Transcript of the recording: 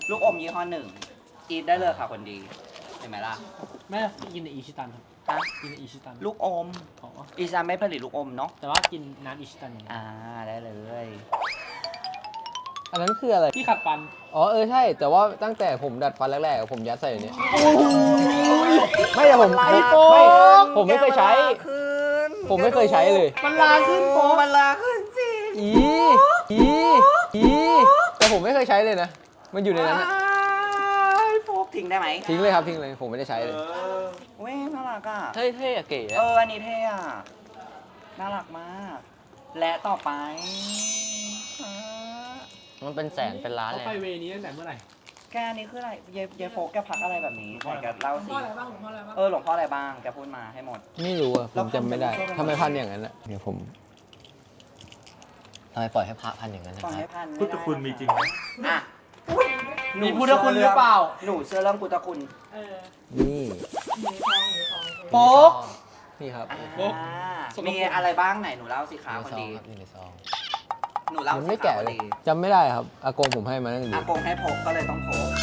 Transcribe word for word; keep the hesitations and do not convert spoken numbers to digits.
ลูกอมยี่ห้อหนึ่งอีทได้เลยค่ะคนดีเห็นไหมล่ะแม่กินในอิชิตันครับฮะกินในอิชิตันลูกอมอ๋ออีซานไม่ผลิตลูกอมเนาะแต่ว่ากินน้ำอิชิตันอย่างเงี้ยอ่าได้เลยอันนั้นคืออะไรที่ขัดฟันอ๋อเออใช่ แต่ว่าตั้งแต่ผมดัดฟันแรกๆผมยัดใส่อย่างเนี้ยไม่แต่ผมมันไม่ลาขึ้นผมไม่เคยใช้แกมันลาขึ้นผมไม่เคยใช้เลยมันลาขึ้นโป๊ะมันลาขึ้นสิอีอีอีแต่ผมไม่เคยใช้เลยนะ มันอยู่ในนั้นอะอ้ายโฟกทิ้งได้ไหมทิ้งเลยครับทิ้งเลยผมไม่ได้ใช้เลยเออเว้ยน่ารักอ่ะเท่เท่อะเก๋เอออันนี้เท่อะน่ารักมาก และต่อไปอ่ามันเป็นแสนเป็นล้านเขาเลยไปเวนี้ตั้งแต่เมื่อไหร่แกอันนี้คืออะไรเยเยโฟกแกพักอะไรแบบนี้ไหนแกเล่าสิพ่ออะไรบ้างหลวงพ่ออะไรบ้างเออหลวงพ่ออะไรบ้างแกพูดมาให้หมดไม่รู้อะผมจำไม่ได้แล้วพันทำไมพันอย่างนั้นอะเดี๋ยวผมทำไมปล่อยให้พระพันอย่างนั้นนะตอนคให้รับพันพุทธคุณมีจริงไหมอ่ะมีพุทธคุณหรือเปล่าหนูเชื่อเรื่องพุทธคุณเออนี่อยู่ในทองอยู่ในทองโป๊กนี่ครับอ่าโอ้สกปรกมีอะไรบ้างไหนหนูเล่าสิอคะยู่คนในซองดีครับอยู่ในซองหนูเล่ามันสิไม่คะแกะคนเลยดีจำไม่ได้ครับอากงผมให้มาตั้งแต่อากงให้พกก็เลยต้องพก